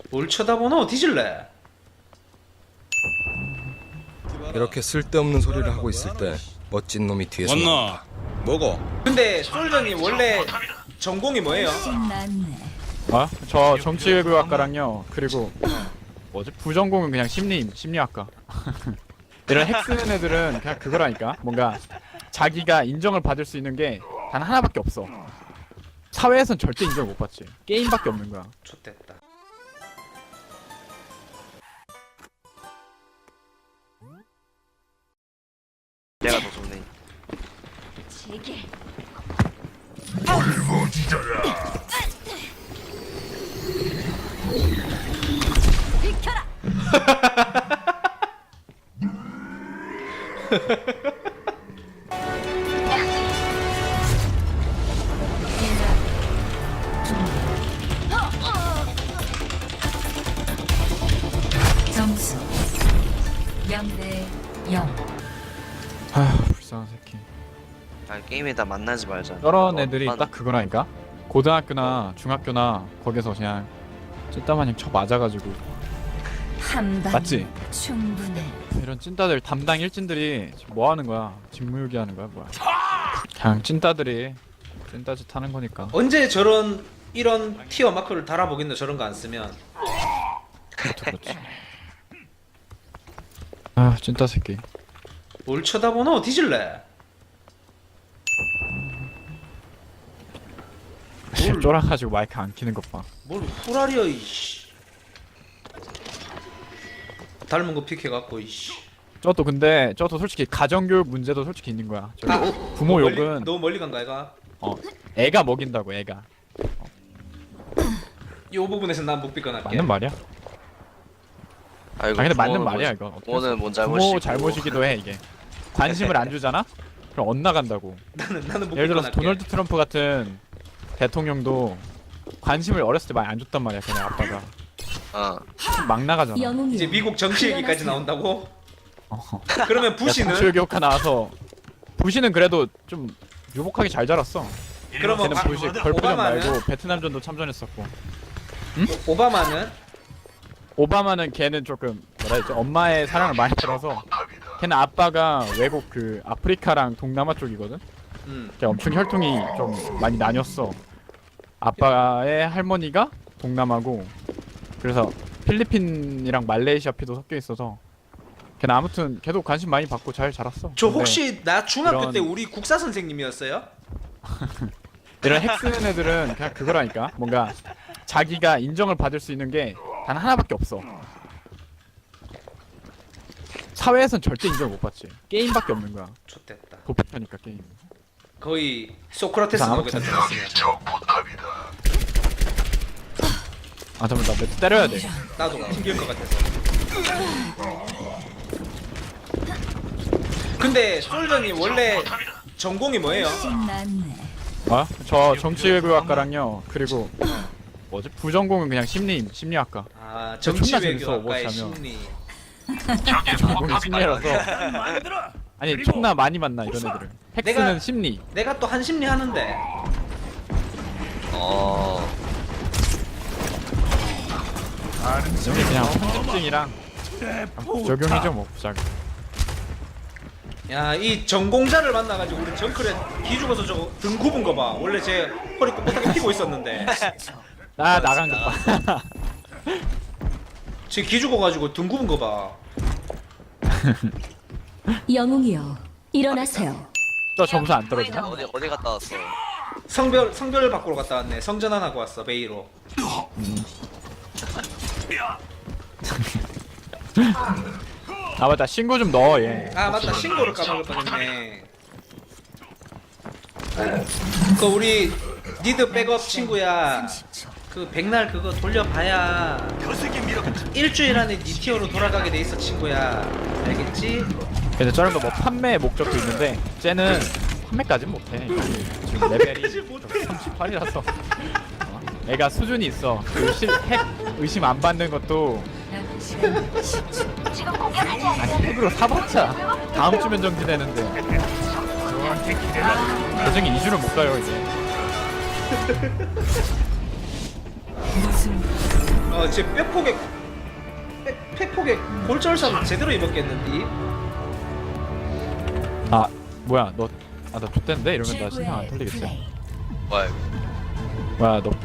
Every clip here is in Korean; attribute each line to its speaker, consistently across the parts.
Speaker 1: 뭘 쳐다보노? 뒤질래?
Speaker 2: 이렇게 쓸데없는 소리를 하고 있을 때 멋진 놈이 뒤에서
Speaker 3: 왔나?
Speaker 2: 먹어.
Speaker 1: 근데 솔전님 원래 전공이 뭐예요?
Speaker 4: 아? 저 정치외교학과랑요. 그리고 뭐지? 부전공은 그냥 심리학과. 이런 핵 쓰는 애들은 그냥 그거라니까. 뭔가 자기가 인정을 받을 수 있는 게 단 하나밖에 없어. 사회에선 절대 인정을 못 받지. 게임밖에 없는 거야.
Speaker 1: 좋됐다.
Speaker 5: 내가 더 좋네.
Speaker 6: 점수 0대 0.
Speaker 4: 아휴 불쌍한 새끼.
Speaker 5: 아 게임에다 만나지 말자.
Speaker 4: 저런 애들이
Speaker 5: 얼마나-
Speaker 4: 딱 그거라니까. 고등학교나 중학교나 거기서 그냥 찐따마냥 쳐 맞아가지고.
Speaker 6: 한방
Speaker 4: 맞지?
Speaker 6: 충분해.
Speaker 4: 이런 찐따들 담당 일진들이 지금 뭐 하는 거야? 직무유기 하는 거야 뭐야? 그냥 찐따들이 찐따짓 하는 거니까.
Speaker 1: 언제 저런 이런 티어 마크를 달아보겠노? 저런 거 안 쓰면.
Speaker 4: 그렇지. 아 찐따 새끼.
Speaker 1: 뭘 쳐다보노? 뒤질래?
Speaker 4: 쫄아가지고 마이크 안 키는 것 봐.
Speaker 1: 뭘 후라리야 이씨. 닮은 거 픽해갖고 이씨.
Speaker 4: 저도 근데 저도 솔직히 가정교육 문제도 솔직히 있는 거야. 저기 부모
Speaker 1: 너무 멀리-
Speaker 4: 욕은
Speaker 1: 너무 멀리 간가 애가?
Speaker 4: 애가 먹인다고 애가.
Speaker 1: 이 부분에서 난 못 비껴날게.
Speaker 4: 맞는 말이야.
Speaker 5: 아 이거
Speaker 4: 아 근데 맞는
Speaker 5: 부모는
Speaker 4: 말이야
Speaker 5: 뭔-
Speaker 4: 이거. 어떻게
Speaker 5: 부모는 뭔
Speaker 4: 부모
Speaker 5: 잘못이고.
Speaker 4: 잘못이기도 해 이게. 관심을 안 주잖아? 그럼 엇나간다고.
Speaker 1: 나는 못
Speaker 4: 예를 들어서
Speaker 1: 비껴날게.
Speaker 4: 도널드 트럼프 같은 대통령도 관심을 어렸을 때 많이 안 줬단 말이야 걔네 아빠가.
Speaker 5: 어.
Speaker 4: 막 나가잖아.
Speaker 6: 영웅이
Speaker 1: 이제 미국 정치 얘기까지 나온다고? 그러면 부시는?
Speaker 4: 정치교육과 나와서 부시는 그래도 좀 유복하게 잘 자랐어.
Speaker 1: 그러면
Speaker 4: 걔는 부시 걸프전
Speaker 1: 오바마는?
Speaker 4: 말고 베트남전도 참전했었고.
Speaker 1: 오바마는?
Speaker 4: 오바마는 걔는 조금 뭐라 해야지 엄마의 사랑을 많이 받아서 걔는 아빠가 외국 그 아프리카랑 동남아 쪽이거든. 걔 엄청 혈통이 좀 많이 나뉘었어. 아빠의 할머니가 동남아고 그래서 필리핀이랑 말레이시아 피도 섞여 있어서 걔는 아무튼 걔도 관심 많이 받고 잘 자랐어.
Speaker 1: 저
Speaker 4: 근데
Speaker 1: 혹시 나 중학교
Speaker 4: 이런-
Speaker 1: 때 우리 국사 선생님이었어요?
Speaker 4: 이런 핵 쓰는 애들은 그냥 그거라니까. 뭔가 자기가 인정을 받을 수 있는 게 단 하나밖에 없어. 사회에선 절대 인정을 못 받지. 게임밖에 없는 거야.
Speaker 1: 좋됐다.
Speaker 4: 도피하니까 게임.
Speaker 1: 거의 소크라테스
Speaker 4: 자,
Speaker 1: 나오겠다
Speaker 4: 아무튼.
Speaker 1: 들었으면.
Speaker 4: 아 잠깐만 나 매트 때려야 돼.
Speaker 1: 나도 튕길 것 같아서. 근데 솔전님 원래 전공이 뭐예요?
Speaker 6: 신났네.
Speaker 4: 아? 저 정치외교학과랑요. 그리고 뭐지? 부전공은 그냥 심리학과.
Speaker 1: 아
Speaker 4: 존나 재밌어,
Speaker 1: 정치외교학과의
Speaker 4: 오버워치 하면.
Speaker 1: 심리.
Speaker 4: 전공이 심리라서. 아니 존나 많이 만나 이런 애들을. 핵스는
Speaker 1: 내가-
Speaker 4: 심리.
Speaker 1: 내가 또 한심리 하는데.
Speaker 5: 어.
Speaker 4: 여기 그냥 편집증이랑 적용이죠 뭐 부작.
Speaker 1: 야 이 전공자를 만나가지고 우리 정클에 기죽어서 저거 등 굽은 거 봐. 원래 제 허리 꼿꼿하게 피고 있었는데
Speaker 4: 나 나간 것 봐.
Speaker 1: 제 기죽어가지고 등 굽은 거 봐.
Speaker 6: 영웅이여 일어나세요.
Speaker 4: 저 점수 안 떨어지나?
Speaker 5: 어디 갔다 왔어?
Speaker 1: 성별 바꾸러 갔다 왔네. 성전환 하고 왔어 베이로.
Speaker 4: 아 맞다 신고 좀 넣어 얘.
Speaker 1: 아 맞다 신고를 까먹을 뻔했네. 그 우리 니드 백업 친구야. 그 백날 그거 돌려봐야 일주일 안에 니 티어로 돌아가게 돼 있어 친구야. 알겠지?
Speaker 4: 근데 저런 거 뭐 판매 목적도 있는데 쟤는 판매까진 못해. 지금 레벨이 38이라서 애가 수준이 있어. 그 핵 의심 안 받는 것도 아니 핵으로 사봤자 다음 주 면정지되는데 나중에 2주를 못 가요 이제.
Speaker 6: 무슨
Speaker 1: 제 뼈폭에 폐폭에 골절상 제대로 입었겠는데.
Speaker 4: 아 뭐야 너 아 나 X됐는데? 이러면 나 신경 안 털리겠지?
Speaker 5: 뭐야 이거.
Speaker 4: 뭐야 너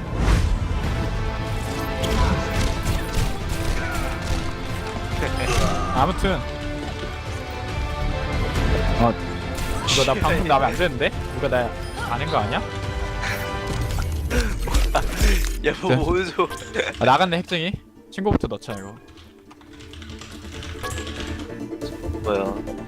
Speaker 4: 아무튼 이거 나 방송 나면 안 되는데? 누가 나 아는 거 아니야?
Speaker 5: 야뭐 보여줘.
Speaker 4: 아, 나갔네 핵쟁이 친구부터 넣자 이거
Speaker 5: 뭐야.